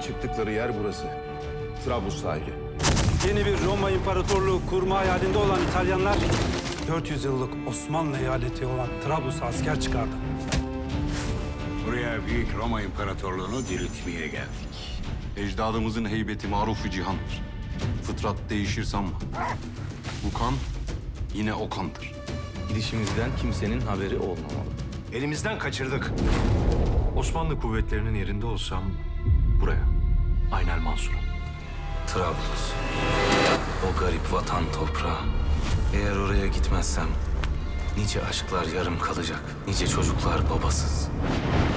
çıktıkları yer burası. Trablus sahili. Yeni bir Roma İmparatorluğu kurma hayalinde olan İtalyanlar 400 yıllık Osmanlı eyaleti olan Trablus'a asker çıkardı. Buraya Büyük Roma İmparatorluğu'nu diriltmeye geldik. Ecdadımızın heybeti maruf-u cihandır. Fıtrat değişir sanma. Bu kan yine o kandır. Gidişimizden kimsenin haberi olmamalı. Elimizden kaçırdık. Osmanlı kuvvetlerinin yerinde olsam buraya. Aynel Mansur'a. Trablus. O garip vatan toprağı. Eğer oraya gitmezsem nice aşklar yarım kalacak. Nice çocuklar babasız.